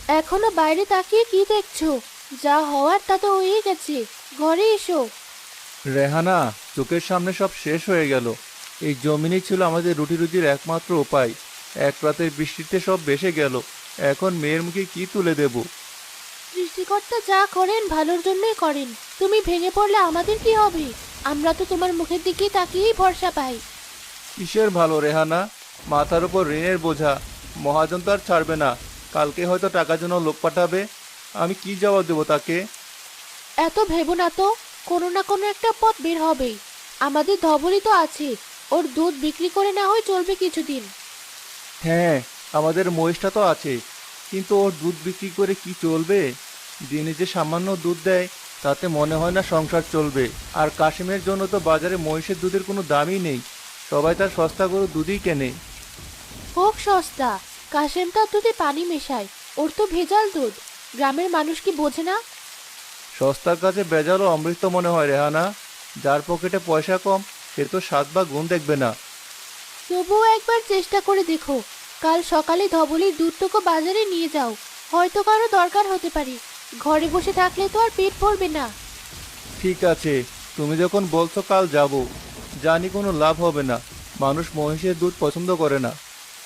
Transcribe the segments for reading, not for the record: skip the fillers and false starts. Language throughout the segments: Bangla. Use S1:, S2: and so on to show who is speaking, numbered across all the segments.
S1: এখনো বাইরে তাকিয়ে কি দেখছো? যা হওয়ার তা তো হয়ে গেছে। ঘরে এসো।
S2: রেহানা, চোখের সামনে সব শেষ হয়ে গেল। এই জমিনই ছিল আমাদের রুটি রুজির একমাত্র উপায়। এক রাতের বৃষ্টিতে সব ভেসে গেল। এখন মেয়ের মুখে কি তুলে দেব?
S1: সৃষ্টিকর্তা যা করেন ভালোর জন্যই করেন। তুমি ভেঙে পড়লে আমাদের কি হবে? আমরা তো তোমার মুখের দিকে তাকিয়েই ভরসা পাই।
S2: কিসের ভালো রেহানা? মাথার উপর ঋণের বোঝা। মহাজন তো আর ছাড়বে না। কালকে হয়তো টাকার জন্য লোক পাঠাবে। আমি কি জবাব দেবো তাকে?
S1: এত ভেবো না তো, কোনো না কোনো একটা পথ বের হবেই। আমাদের ধবলই তো আছে, ওর দুধ বিক্রি করে না হয় চলবে কিছুদিন।
S2: হ্যাঁ, আমাদের মহিষটা তো আছে, কিন্তু ওর দুধ বিক্রি করে কি চলবে? দিনে যে সামান্য দুধ দেয়, তাতে মনে হয় না সংসার চলবে। আর কাশিমের জন্য তো বাজারে মহিষের দুধের কোনো দামই নেই। সবাই তার সস্তা করে দুধই কেনে।
S1: হোক সস্তা, কাশেম তার দুধে পানি মেশায়, ওর তো ভেজাল দুধ। গ্রামের মানুষ কি বোঝে না?
S2: সস্তার কাছে বেজালও অমৃত মনে হয় রেহানা। যার পকেটে পয়সা কম, সে তো স্বাদ বা গুণ দেখবে না।
S1: তবুও একবার চেষ্টা করে দেখো। কাল সকালে ধবলির দুধটুকু বাজারে নিয়ে যাও। হয়তো কারো দরকার হতে পারে। ঘরে বসে থাকলে তো আর পেট ভরবে না।
S2: ঠিক আছে, তুমি যখন বলছো কাল যাব। জানি কোনো লাভ হবে না। মানুষ মহিষের দুধ পছন্দ করে না।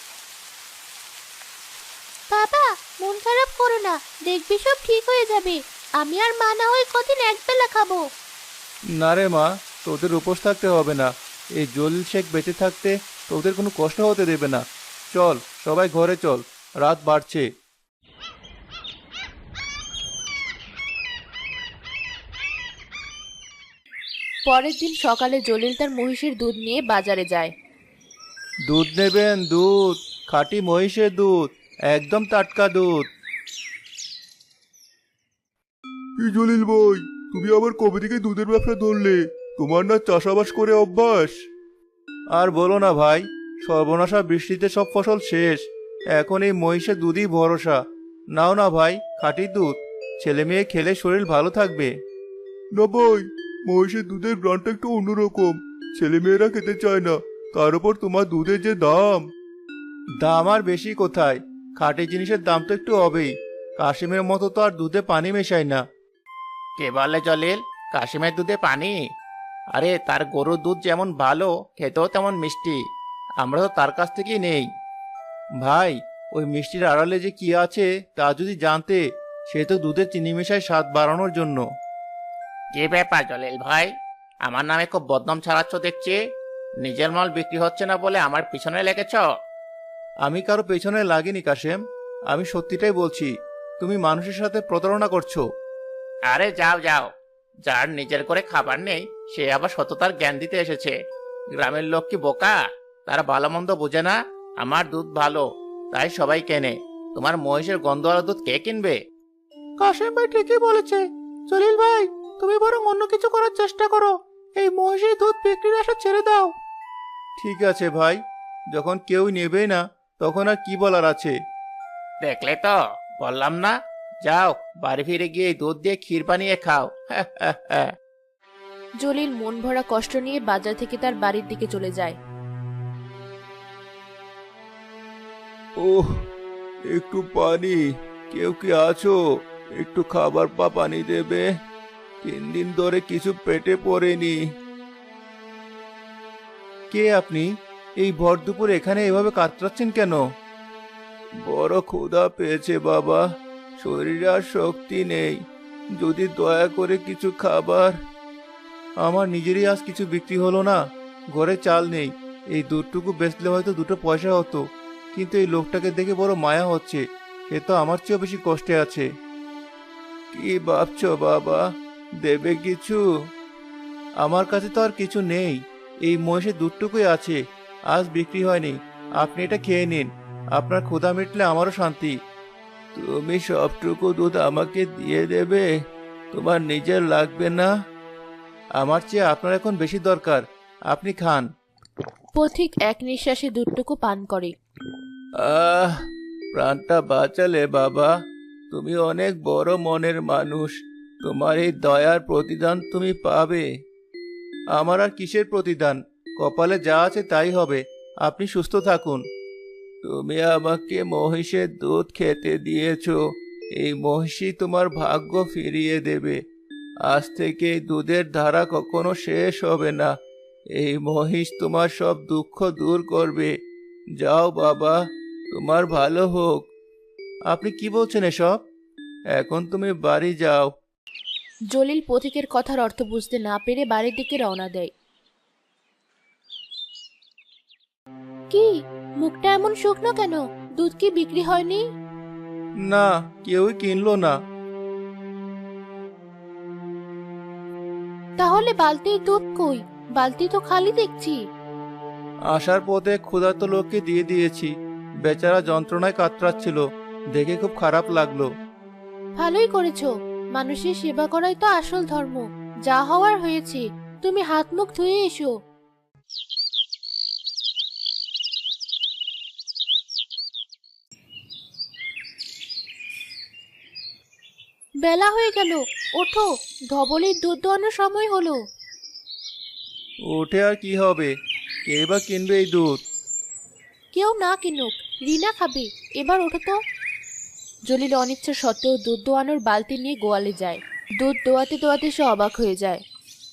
S1: বাবা, মন খারাপ করো না, দেখবি সব ঠিক হয়ে যাবে। আমি আর মা না হয় কদিন একবেলা খাবো।
S2: না রে মা, তোদের উপোস থাকতে হবে না। এই জলিল শেখ বেঁচে থাকতে তোদের কোনো কষ্ট হতে দেবে না। চল, সবাই ঘরে চল, রাত বাড়ছে।
S1: পরের দিন সকালে জলিল তার মহিষের দুধ নিয়ে বাজারে যায়।
S2: দুধ নেবেন? দুধ, খাঁটি মহিষের দুধ, একদম টাটকা দুধ।
S3: কি জলিল ভাই, তুমি আবার কবে থেকে দুধের ব্যবসা ধরলে? তোমার না চাষাবাস করে অভ্যাস?
S2: আর বলো না ভাই, সর্বনাশা বৃষ্টিতে সব ফসল শেষ। এখন এই মহিষের দুধই ভরসা। নাও না ভাই, খাঁটি দুধ। ছেলে মেয়ে খেলে শরীর ভালো থাকবে।
S3: না ভাই, মহিষের দুধের ব্র্যান্ডটা একটু অন্যরকম। ছেলেমেয়েরা খেতে চায় না। তার উপর তোমার দুধের যে দাম।
S2: দাম আর বেশি কোথায়? খাঁটি জিনিসের দাম তো একটু হবেই। কাশিমের মতো তো আর দুধে পানি মেশাই না। কে বলে জলিল, কাশিমের দুধে পানি? আরে তার গরুর দুধ যেমন ভালো, খেতেও তেমন মিষ্টি। আমরা তো তার কাছ থেকেই নেই। ভাই, ওই মিষ্টির আড়ালে যে কি আছে তা যদি জানতে। সে তো দুধে চিনি মেশায় স্বাদ বাড়ানোর জন্য। কি ব্যাপার জলিল ভাই, আমার নামে খুব বদনাম ছড়াচ্ছ দেখছি। নিজের মাল বিক্রি হচ্ছে না বলে আমার পিছনে লেগেছ? আমি কারো পেছনে লাগিনি কাশেম, আমি সত্যিটাই বলছি। তুমি মানুষের সাথে প্রতারণা করছো। আরে যাও যাও, যার নিজের করে খাবার নেই সে আবার সততার জ্ঞান দিতে এসেছে। গ্রামের লোক কি বোকা? তারা ভালো মন্দ বোঝে না। আমার দুধ ভালো, তাই সবাই কেনে। তোমার মহিষের গন্ধওয়ালা দুধ কে কিনবে? কাশেম ভাই ঠিকই বলেছে। জলিল ভাই, তুমি বরং অন্য কিছু করার চেষ্টা করো। এই মহিষের দুধ বিক্রির আশা ছেড়ে দাও। ঠিক আছে ভাই, যখন কেউ নেবেই না, তখন আর কি বলার আছে? দেখলে তো, বললাম না। যাও, বাড়ি ফিরে গিয়ে এই দুধ দিয়ে ক্ষীর বানিয়ে খাও।
S1: জলিল মন ভরা কষ্ট নিয়ে বাজার থেকে তার বাড়ির দিকে চলে যায়।
S3: ওহ, একটু পানি। কেউ কি আছো? একটু খাবার বা পানি দেবে। 3 দিন ধরে কিছু পেটে পড়েনি।
S2: কে আপনি? এই ভর দুপুরে এখানে এভাবে কাতরাচ্ছেন কেন?
S3: বড় ক্ষুধা পেয়েছে বাবা, শরীরে আর শক্তি নেই। যদি দয়া করে কিছু খাবার।
S2: আমার নিজেরই আজ কিছু বিক্রি হলো না। ঘরে চাল নেই। এই দুধটুকু বেচলে হয়তো 2টো পয়সা হতো। কিন্তু এই লোকটাকে দেখে বড় মায়া হচ্ছে। সে তো আমার চেয়েও বেশি কষ্টে আছে।
S3: কি ভাবছো বাবা, দেবে কিছু?
S2: আমার কাছে তো আর কিছু নেই। এই মহিষের দুধটুকুই আছে। আজ বিক্রি হয়নি। আপনি এটা খেয়ে নিন। আপনার ক্ষুধা মিটলে আমারও শান্তি।
S3: তুমি সবটুকু দুধ আমাকে দিয়ে দেবে? তোমার নিজের লাগবে না?
S2: আমার চেয়ে আপনার এখন বেশি দরকার। আপনি খান।
S1: পথিক এক নিঃশ্বাসে দুধটুকু পান করে।
S3: আহ, প্রাণটা বাঁচালে বাবা। তুমি অনেক বড় মনের মানুষ। তোমার এই দয়ার প্রতিদান তুমি পাবে।
S2: আমার আর কিসের প্রতিদান? কপালে যা আছে তাই হবে। আপনি সুস্থ থাকুন।
S3: তুমি আমাকে মহিষের দুধ খেতে দিয়েছো, এই মহিষী তোমার ভাগ্য ফিরিয়ে দেবে। আজ থেকে এই দুধের ধারা কখনো শেষ হবে না। এই মহিষ তোমার সব দুঃখ দূর করবে। যাও বাবা, তোমার ভালো হোক।
S2: আপনি কি বলছেন এসব?
S3: এখন তুমি বাড়ি যাও।
S1: জলিল পথিকের কথার অর্থ বুঝতে না পেরে বাড়ির দিকে রওনা দেয়। কি, মুখটা এমন শুকনো কেন? দুধ কি বিক্রি হয়নি?
S2: না, কেউই কিনলো না।
S1: তাহলে বালতির দুধ কই? বালতি তো খালি দেখছি।
S2: আসার পথে ক্ষুধার্ত লোককে দিয়ে দিয়েছি। বেচারা যন্ত্রণায় কাতরাচ্ছিল, দেখে খুব খারাপ লাগলো।
S1: ভালোই করেছো। মানুষের সেবা করাই তো আসল ধর্ম। যা হওয়ার হয়েছে, তুমি হাত মুখ ধুয়ে এসো। বেলা হয়ে গেল, ওঠো, ধবলের দুধ দোয়ানোর সময় হলো।
S2: উঠে আর কি হবে? কে বা কিনবে এই দুধ?
S1: কেউ না কিনুক, রিনা খাবে। এবার ওঠো তো। জলিল অনিচ্ছা সত্ত্বেও দুধ দোয়ানোর বালতি নিয়ে গোয়ালে যায়। দুধ দোয়াতে দোয়াতে সে অবাক হয়ে যায়।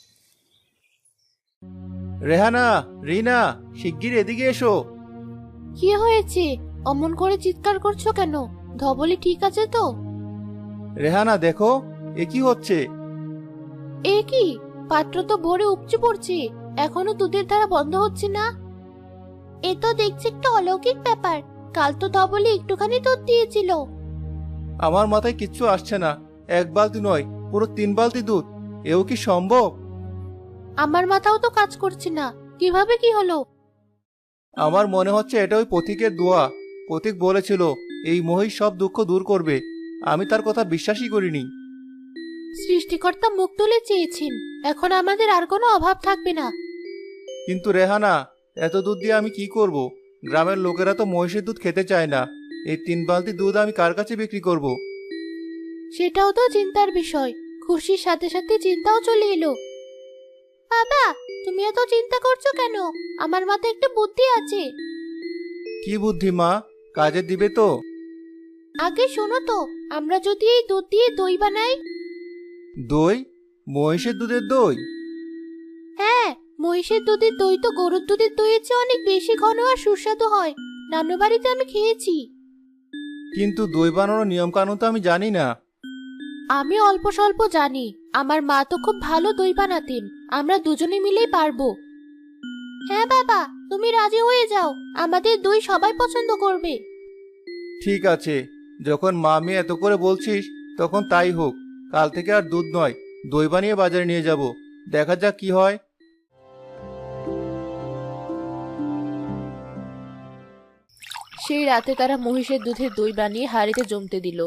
S2: রেহানা, রিনা, শিগগির এদিকে এসো।
S1: কি হয়েছে? অমন করে চিৎকার করছো কেন? ধবলি ঠিক আছে তো?
S2: রেহানা দেখো, এ কি হচ্ছে?
S1: এ কি, পাত্র তো ভরে উপচে পড়ছে, এখনো দুধের ধারা বন্ধ হচ্ছে না। এ তো দেখছি একটা অলৌকিক ব্যাপার। কাল তো ধবলি একটুখানি দুধ দিয়েছিল।
S2: আমার মাথায় কিচ্ছু আসছে না। এক বালতি নয়, পুরো 3 বালতি দুধ। এও কি সম্ভব?
S1: আমার মাথাও তো কাজ করছে না, কিভাবে কি হলো?
S2: আমার মনে হচ্ছে এটা ওই পথিকের দোয়া। পথিক বলেছিল এই মহিষ সব দুঃখ দূর করবে। আমি তার কথা বিশ্বাসই করিনি।
S1: সৃষ্টিকর্তা মুখ তুলে চেয়েছেন, এখন আমাদের আর কোনো অভাব থাকবে না।
S2: কিন্তু রেহানা, এত দুধ দিয়ে আমি কি করব? গ্রামের লোকেরা তো মহিষের দুধ খেতে চায় না। এই 3 বালতি দুধ আমি কার কাছে বিক্রি করব?
S1: সেটাও তো চিন্তার বিষয়। খুশির সাথে সাথে চিন্তাও চলে এলো। বাবা, তুমি এত চিন্তা করছো কেন? আমার মাথায় একটা বুদ্ধি আছে।
S2: কি বুদ্ধি মা? কাজে দিবে তো?
S1: আগে শোনো তো, আমরা যদি এই দুধ দিয়ে দই বানাই।
S2: দই? মহিষের দুধের দই?
S1: হ্যাঁ, মহিষের দুধের দই তো গরুর দুধের দইয়ের চেয়ে অনেক বেশি ঘন আর সুস্বাদু হয়। নানু বাড়িতে আমি খেয়েছি।
S2: কিন্তু দই বানানোর নিয়ম কানুন তো আমি জানি না।
S1: আমি অল্প স্বল্প জানি। আমার মা তো খুব ভালো দই বানাতেন। আমরা দুজনে মিলেই পারবো। হ্যাঁ বাবা, তুমি রাজি হয়ে যাও, আমাদের দই সবাই পছন্দ করবে।
S2: ঠিক আছে, যখন মা আমি এত করে বলছিস, তখন তাই হোক। কাল থেকে আর দুধ নয়, দই বানিয়ে বাজারে নিয়ে যাব। দেখা যাক কি হয়।
S1: সেই রাতে তারা মহিষের দুধের দই বানিয়ে হাঁড়িতে জমতে দিল।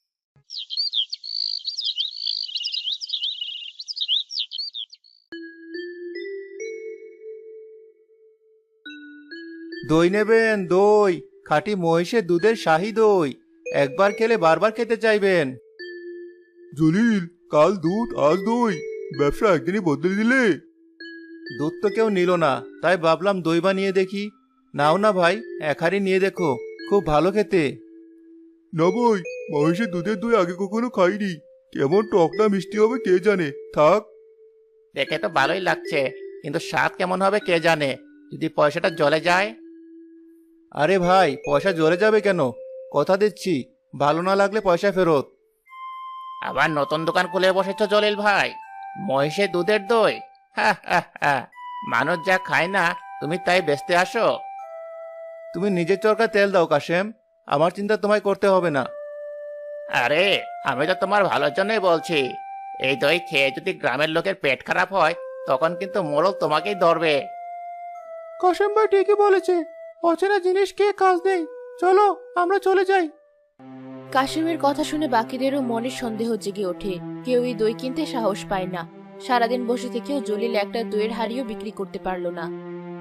S2: দই নেবেন? দই, খাঁটি মহিষের দুধের শাহী দই। একবার খেলে বারবার খেতে চাইবেন।
S3: জলিল, কাল দুধ আজ দই, ব্যবসা একদিনই বদলে দিলে।
S2: দুধ তো কেউ নিল না, তাই ভাবলাম দই বানিয়ে দেখি। নাও না ভাই, এক হাঁড়ি নিয়ে দেখো, খুব ভালো খেতে।
S3: না ভাই, মহিষের দুধের দই আগে কখনো খাইনি। কেমন টক না মিষ্টি হবে কে জানে। থাক।
S2: দেখে তো ভালোই লাগছে, কিন্তু স্বাদ কেমন হবে কে জানে। যদি পয়সাটা জলে যায়? আরে ভাই, পয়সা জলে যাবে কেন? কথা দিচ্ছি, ভালো না লাগলে পয়সা ফেরত। আবার নতুন দোকান খুলে বসেছ জলিল ভাই? মহিষের দুধের দই? হা হা হা, মানুষ যা খায় না তুমি তাই বেচতে আসো? তুমি নিজের চরকায় তেল দাও কাশেম, আমার চিন্তা তোমায় করতে হবে না। আরে, আমি তো তোমার ভালোর জন্যই বলছি। এই দই খেয়ে যদি গ্রামের লোকের পেট খারাপ হয়, তখন কিন্তু মোড়ল তোমাকেই ধরবে। কাশেম ভাই ঠিকই বলেছে, অচেনা জিনিস খেয়ে কাজ নেই। চলো, আমরা চলে যাই।
S1: কাশিমের কথা শুনে বাকিদেরও মনে সন্দেহ জেগে ওঠে। কেউই দই কিনতে সাহস পায় না। সারাদিন বসে থেকেও জলিল একটা দইয়ের হাঁড়িও বিক্রি করতে পারলো না।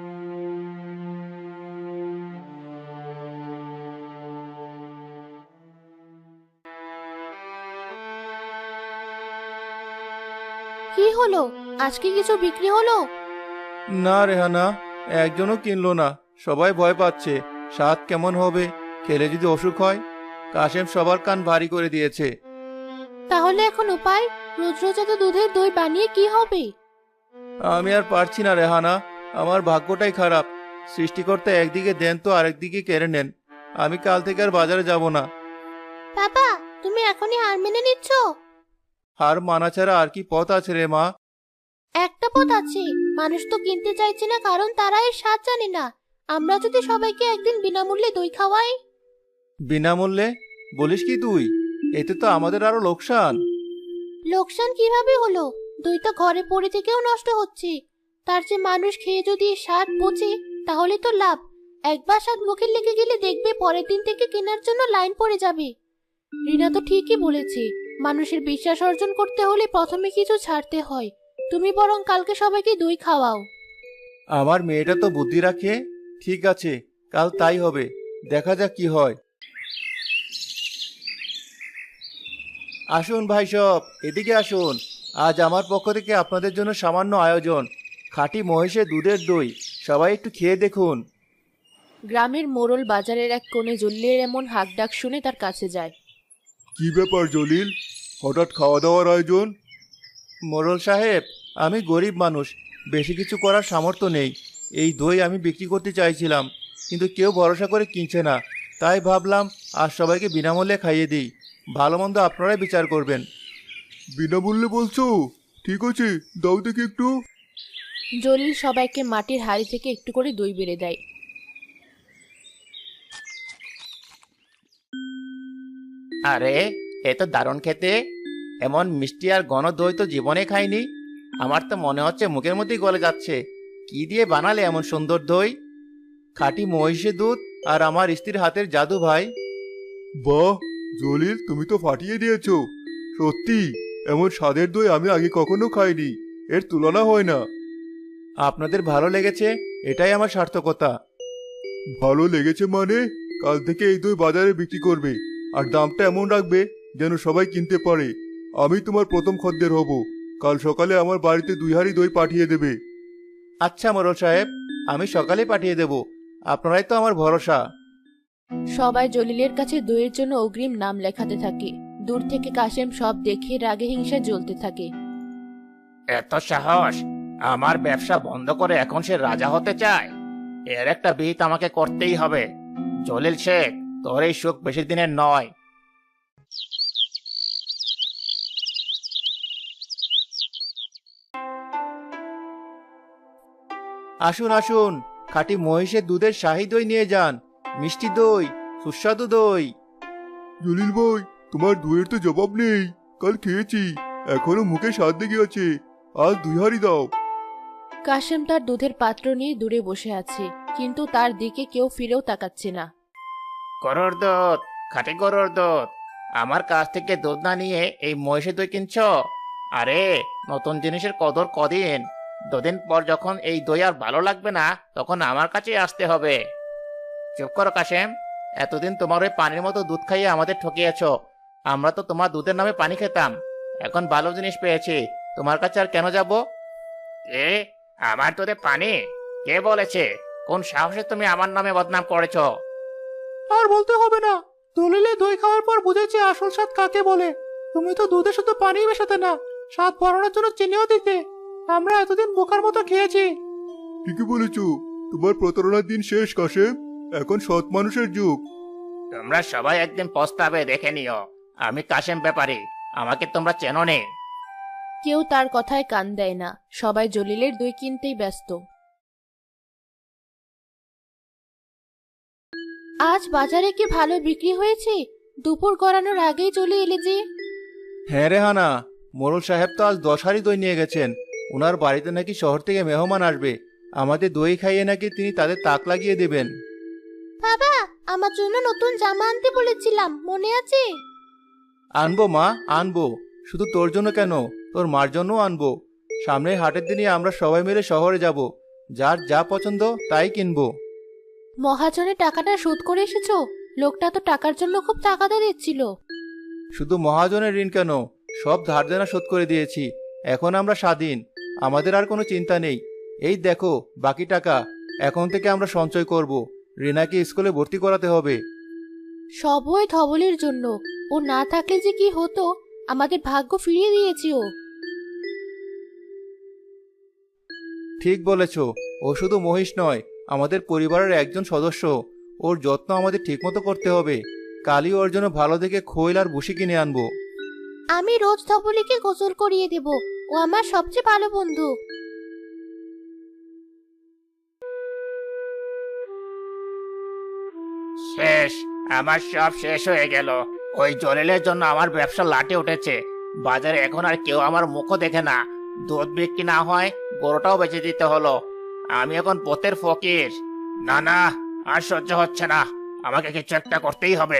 S1: কি হলো? আজকে কিছু বিক্রি হলো?
S2: না রেহানা, একজনও কিনলো না। সবাই ভয় পাচ্ছে, স্বাদ কেমন হবে, খেলে যদি অসুখ হয়। কাশেম সবার কান ভারী করে দিয়েছে।
S1: তাহলে এখন উপায়? রোজ রোজ এত দুধের দই বানিয়ে কি হবে?
S2: আমি আর পারছি না রেহানা, আমার ভাগ্যটাই খারাপ। সৃষ্টিকর্তা একদিকে দেন তো আরেকদিকে কেড়ে নেন। আমি কাল থেকে আর বাজারে যাব না।
S1: বাবা, তুমি এখনই হার মেনে নিচ্ছ?
S2: হার মানা ছাড়া আর কি পথ আছে রে মা?
S1: একটা পথ আছে। মানুষ তো কিনতে চাইছে না, কারণ তারা এর স্বাদ জানে না। আমরা যদি সবাইকে একদিন বিনামূল্যে দই খাওয়াই।
S2: বিনামূল্যে? বলিস কি তুই? এতে তো আমাদের আরো লোকসান।
S1: লোকসান কিভাবে হলো? দই তো ঘরে পড়ে থেকেও নষ্ট হচ্ছে। তার যে মানুষ খেয়ে যদি এর স্বাদ বোঝে, তাহলে তো লাভ। একবার স্বাদ মুখে লেগে গেলে দেখবে পরের দিন থেকে কেনার জন্য লাইন পড়ে যাবে। রিনা তো ঠিকই বলেছে, মানুষের বিশ্বাস অর্জন করতে হলে প্রথমে কিছু ছাড়তে হয়। তুমি বরং কালকে সবাইকে দই খাওয়াও।
S2: আমার মেয়েটা তো বুদ্ধি রাখে। ঠিক আছে, কাল তাই হবে। দেখা যাক কি হয়। আসুন ভাই সব, এদিকে আসুন। আজ আমার পক্ষ থেকে আপনাদের জন্য সামান্য আয়োজন, খাঁটি মহিষের দুধের দই। সবাই একটু খেয়ে দেখুন।
S1: গ্রামের মোড়ল বাজারের এক কোণে জলিলের এমন হাঁক ডাক শুনে তার কাছে যায়।
S3: কি ব্যাপার জলিল, হঠাৎ খাওয়া দাওয়ার আয়োজন?
S2: মোড়ল সাহেব, আমি গরিব মানুষ, বেশি কিছু করার সামর্থ্য নেই। এই দই আমি বিক্রি করতে চাইছিলাম, কিন্তু কেউ ভরসা করে কিনছে না। তাই ভাবলাম আজ সবাইকে বিনামূল্যে খাইয়ে দিই। ভালো মন্দ আপনারাই বিচার করবেন।
S3: বিনামূল্যে বলছো? ঠিক আছে, দাও দেখি একটু।
S1: জলিল সবাইকে মাটির হাঁড়ি থেকে একটু করে দই বেড়ে দেয়।
S2: আরে, এ তো দারুণ খেতে। এমন মিষ্টি আর ঘন দই তো জীবনে খাইনি। আমার তো মনে হচ্ছে মুখের মধ্যেই গলে যাচ্ছে। কি দিয়ে বানালে এমন সুন্দর দই? খাঁটি মহিষের দুধ আর আমার স্ত্রীর হাতের জাদু ভাই।
S3: বাহ জলিল, তুমি তো ফাটিয়ে দিয়েছো। সত্যি, এমন স্বাদের দই আমি আগে কখনো খাইনি। এর তুলনা হয় না।
S2: আপনাদের ভালো লেগেছে, এটাই আমার সার্থকতা।
S3: ভালো লেগেছে মানে? কাল থেকে এই দই বাজারে বিক্রি করবে, আর দামটা এমন রাখবে যেন সবাই কিনতে পারে। আমি তোমার প্রথম খদ্দের হব। কাল সকালে আমার বাড়িতে 2 হাঁড়ি দই পাঠিয়ে দেবে।
S2: আচ্ছা মোড়ল সাহেব, আমি সকালে পাঠিয়ে দেব। আপনারাই তো আমার ভরসা।
S1: সবাই জলিলের কাছে দইয়ের জন্য অগ্রিম নাম লেখাতে থাকে। দূর থেকে কাশেম সব দেখে রাগে হিংসা জ্বলতে থাকে।
S2: এত সাহস! আমার ব্যবসা বন্ধ করে এখন সে রাজা হতে চায়। এর একটা বিহিত আমাকে করতেই হবে। জলিল শেখ, তোর এই সুখ বেশি দিনের নয়। আসুন আসুন, খাঁটি মহিষের দুধের শাহী দই নিয়ে যান। মিষ্টি দই, সুস্বাদু দই।
S3: জলিল ভাই, তোমার দইয়ের তো জবাব নেই। কাল খেয়েছি, এখনো মুখে স্বাদ লেগে আছে। আজ 2 হাঁড়ি দাও।
S1: কাশেম তার দুধের পাত্র নিয়ে দূরে বসে আছে, কিন্তু তার দিকে কেউ ফিরেও তাকাচ্ছে না।
S2: গরুর দুধ, খাঁটি গরুর দুধ। আমার কাছ থেকে দুধ না নিয়ে এই মহিষের দই কিনছো? আরে, নতুন জিনিসের কদর কদিন। 2 দিন পর যখন এই দই আর ভালো লাগবে না, তখন আমার কাছেই আসতে হবে। চুপ করো কাশেম। এতদিন তোমার ওই পানির মতো দুধ খাইয়ে আমাদের ঠকিয়েছো। আমরা তো তোমার দুধের নামে পানি খেতাম। এখন ভালো জিনিস পেয়েছি, তোমার কাছে আর কেন যাব? এ, আমার দুধে পানি? কে বলেছে? কোন সাহসে তুমি আমার নামে বদনাম করেছো? আর বলতে হবে না। দলিলে দই খাওয়ার পর বুঝেছি আসল স্বাদ কাকে বলে। তুমি তো দুধে শুধু পানি মেশাতে না, স্বাদ বাড়ানোর জন্য চিনিও দিতে। আমরা এতদিন বোকার মতো খেয়েছি।
S3: ঠিকই বলেছো। তোমার প্রতারণার দিন শেষ কাশেম। এখন সৎ মানুষের যুগ।
S2: তোমরা সবাই একদিন পস্তাবে, দেখে নিও। আমি কাশেম ব্যাপারী, আমাকে তোমরা চেনো নে।
S1: কেউ তার কথায় কান দেয় না। সবাই জলিলের দই কিনতেই ব্যস্ত। আজ বাজারে কি ভালো বিক্রি হয়েছে? দুপুর গড়ানোর আগেই চলে এলে যে।
S2: হ্যাঁ রেহানা, মোড়ল সাহেব তো আজ 10 হাঁড়ি দই নিয়ে গেছেন। ওনার বাড়িতে নাকি শহর থেকে মেহমান আসবে। আমাদের দই খাইয়ে নাকি তিনি তাদের তাক লাগিয়ে দেবেন।
S1: বাবা, আমার জন্য নতুন জামা আনতে বলেছিলাম, মনে আছে?
S2: আনবো মা, আনবো। শুধু তোর জন্য কেন, তোর মার জন্যও আনবো। সামনের হাটের দিনই আমরা সবাই মিলে শহরে যাব। যার যা পছন্দ তাই কিনবো।
S1: মহাজনের টাকাটা শোধ করে এসেছো? লোকটা তো টাকার জন্য খুব তাগাদা দিচ্ছিল।
S2: শুধু মহাজনের ঋণ কেন, সব ধার দেনা শোধ করে দিয়েছি। এখন আমরা স্বাধীন, আমাদের আর কোনো চিন্তা নেই। এই দেখো বাকি টাকা। এখন থেকে আমরা সঞ্চয় করব। রিনাকে স্কুলে ভর্তি করাতে হবে।
S1: সব ওই ধবলের জন্য। ও না থাকলে যে কি হতো, আমাদের ভাগ্য ফিরিয়ে দিয়েছি ও।
S2: ঠিক বলেছ, ও শুধু মহিষ নয়, আমাদের পরিবারের একজন সদস্য। ওর যত্ন আমাদের ঠিকমতো করতে হবে। কালই ওর জন্য ভালো দেখে খৈল আর ভুসি কিনে আনবো।
S1: আমি রোজ ধবলিকে গোসল করিয়ে দেব। ও আমার সবচেয়ে ভালো বন্ধু।
S2: শেষ, আমার সব শেষ হয়ে গেল। ওই জলিলের জন্য আমার ব্যবসা লাটে উঠেছে। বাজারে এখন আর কেউ আমার মুখও দেখে না। দুধ বিক্রি না হয় গরুটাও বেচে দিতে হলো। আমি এখন পথের ফকির। না না, আর সহ্য হচ্ছে না। আমাকে কিছু একটা করতেই হবে।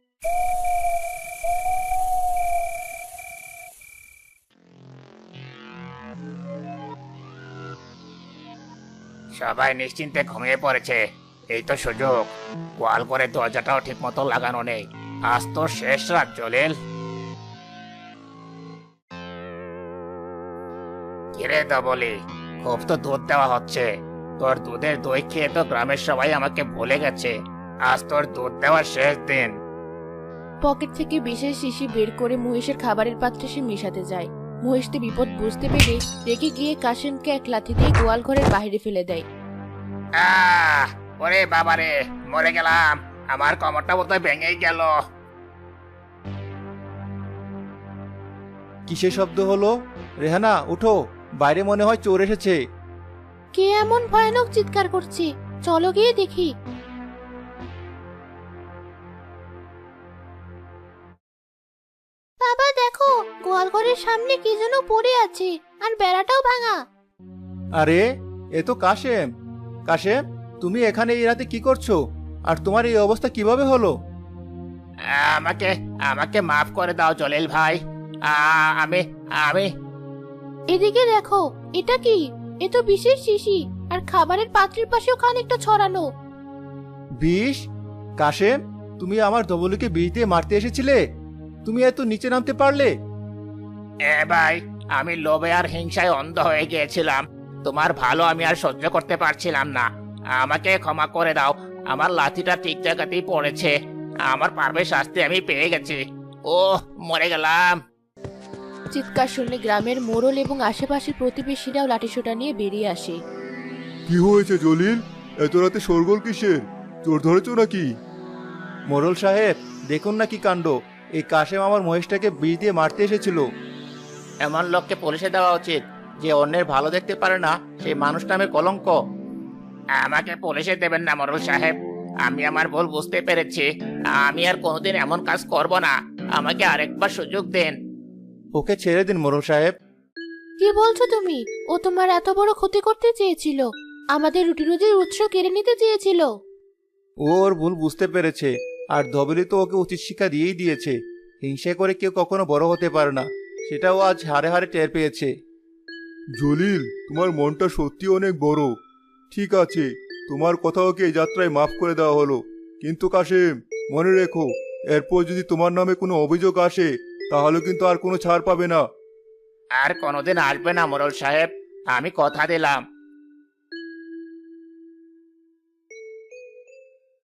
S2: সবাই নিশ্চিন্তে ঘুমিয়ে পড়েছে। এই তো সুযোগ। গোয়াল করে দরজাটাও ঠিক মতো লাগানো নেই। আজ তো শেষ রাত জলিল। কিরে বলি, খুব তো দুধ দেওয়া হচ্ছে। তোর দুধের দই খেয়ে তো গ্রামের সবাই আমাকে ভুলে গেছে। আজ তোর দুধ দেওয়ার শেষ দিন।
S1: পকেট থেকে বিশেষ শিশি বের করে মহিষের খাবারের পাত্রে সে মেশাতে যায়। মহিষটি বিপদ বুঝতে পেরে রেগে গিয়ে কাশিমকে এক লাথি দিয়ে গোয়াল ঘরের বাইরে ফেলে দেয়।
S2: আহ, ওরে বাবারে, মরে গেলাম। আমার কোমরটা বোধহয় ভেঙেই গেল। কিসের শব্দ হলো? রেহানা, উঠো, বাইরে মনে হয় চোর এসেছে।
S1: কে এমন ভয়ানক চিৎকার করছে? চলো গিয়ে দেখি। বাবা দেখো, গোয়াল ঘরের সামনে কি যেন পড়ে আছে, আর বেড়াটাও ভাঙা।
S2: আরে, এ তো কাশেম। কাশেম, তুমি এখানে এই রাতে কি করছো? আর তোমার এই অবস্থা কিভাবে হলো? আমাকে আমাকে মাফ করে দাও জলিল ভাই। আমি আমি
S1: এদিকে দেখো, এটা কি? এ তো বিশেষ শিশি, আর খাবারের পাত্রের পাশেও খানিকটা ছড়ানো।
S2: বিষ? কাশেম, তুমি আমার ধবলকে বিষ দিয়ে মারতে এসেছিলে? তুমি এত নিচে নামতে পারলে? ভাই, আমি লোভে আর হিংসায় অন্ধ হয়ে গিয়েছিলাম। তোমার ভালো আমি আর সহ্য করতে পারছিলাম না। আমাকে ক্ষমা করে দাও। আমার লাঠিটা ঠিক জায়গাতেই পড়েছে। আমার পারবে শাস্তি আমি পেয়ে গেছি। ও, মরে গেলাম।
S1: চিৎকার শুনে গ্রামের মোড়ল এবং আশেপাশের প্রতিবেশীরাও লাঠিসোঁটা নিয়ে বেরিয়ে আসে।
S3: কি হয়েছে জলিল? এত রাতে শোরগোল কিসের? চোর ধরেছো নাকি?
S2: মোড়ল সাহেব, দেখুন না কি কাণ্ড। এই কাশেম আমার মহিষটাকে বিষ দিয়ে মারতে এসেছিল। এমন লোককে পুলিশে দেওয়া উচিত, যে অন্যের ভালো দেখতে পারে না, সেই মানুষ নামে কলঙ্ক। আমাকে পুলিশে দেবেন না মোড়ল সাহেব। আমি আমার ভুল বুঝতে পেরেছি। আমি আর কোনোদিন এমন কাজ করব না। আমাকে আরেকবার সুযোগ দেন। ওকে ছেড়ে দিন মোড়ল সাহেব।
S1: কি বলছো তুমি? ও তোমার এত বড় ক্ষতি করতে চেয়েছিল, আমাদের রুটি রুজির উৎস কেড়ে নিতে চেয়েছিল।
S2: ও ওর ভুল বুঝতে পেরেছে, আর ধবলি তো ওকে উচিত শিক্ষা দিয়েই দিয়েছে। হিংসা করে কেউ কখনো বড় হতে পারে না, সেটাও আজ হারে হারে টের পেয়েছে।
S3: জলিল, তোমার মনটা সত্যি অনেক বড়। ঠিক আছে, তোমার কথা ওকে এই যাত্রায় মাফ করে দেওয়া হলো। কিন্তু কাশেম, মনে রেখো, এরপর যদি তোমার নামে কোনো অভিযোগ আসে, তাহলে কিন্তু আর কোনো ছাড় পাবে না।
S2: আর কোনোদিন আসবে না মোড়ল সাহেব, আমি কথা দিলাম।